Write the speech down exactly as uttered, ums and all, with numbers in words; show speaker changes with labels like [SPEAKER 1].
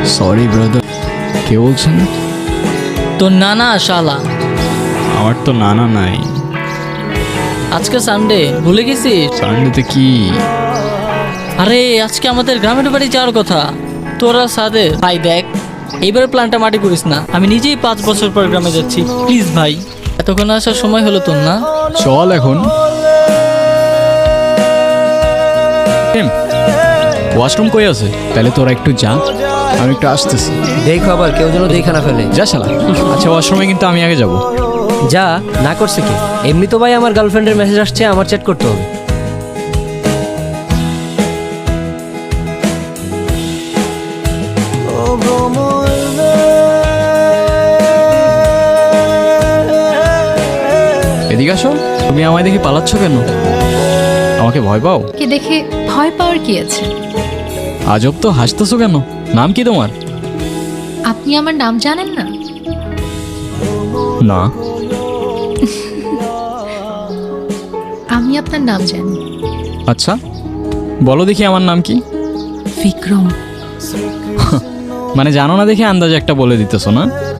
[SPEAKER 1] Sorry brother. কে বলছেন?
[SPEAKER 2] তোর নানা শালা।
[SPEAKER 1] আমার তো নানা নাই।
[SPEAKER 2] আজকে সানডে, ভুলে গেছিস?
[SPEAKER 1] সানডেতে কি?
[SPEAKER 2] আরে আজকে আমাদের গ্রামের বাড়ি যাওয়ার কথা। তোরা সাদে ভাই দেখ, এইবার প্ল্যানটা মাটি করিস না। আমি নিজেই পাঁচ বছর পর গ্রামে যাচ্ছি, প্লিজ ভাই। এতক্ষণ আসার সময় হলো তোর না?
[SPEAKER 1] চল এখন। ওয়াশরুম কই আছে? তাহলে তোরা একটু যা, আমি একটু আসতেছি।
[SPEAKER 3] দেখো আবার কেউ যেন দেখে না ফেলে।
[SPEAKER 1] যা শালা। আচ্ছা ওয়াশরুমে কিন্তু আমি আগে যাব।
[SPEAKER 3] যা, না করছে কি? এমনি তো ভাই আমার গার্লফ্রেন্ডের মেসেজ আসছে, আমার চ্যাট করতে হবে।
[SPEAKER 1] এদিকে আসো। তুমি আমায় দেখে পালাচ্ছ কেন? আমাকে ভয় পাও?
[SPEAKER 4] কে দেখে ভয় পাওয়ার কি আছে?
[SPEAKER 1] আজব তো, হাসতেছো কেন? নাম কি তোমার?
[SPEAKER 4] আপনি আমার নাম জানেন না?
[SPEAKER 1] না।
[SPEAKER 4] আমি আপনার নাম জানি।
[SPEAKER 1] আচ্ছা বলো দেখি আমার নাম কি?
[SPEAKER 4] বিক্রম।
[SPEAKER 1] মানে জানো না দেখে আন্দাজে একটা বলে দিতেছো না?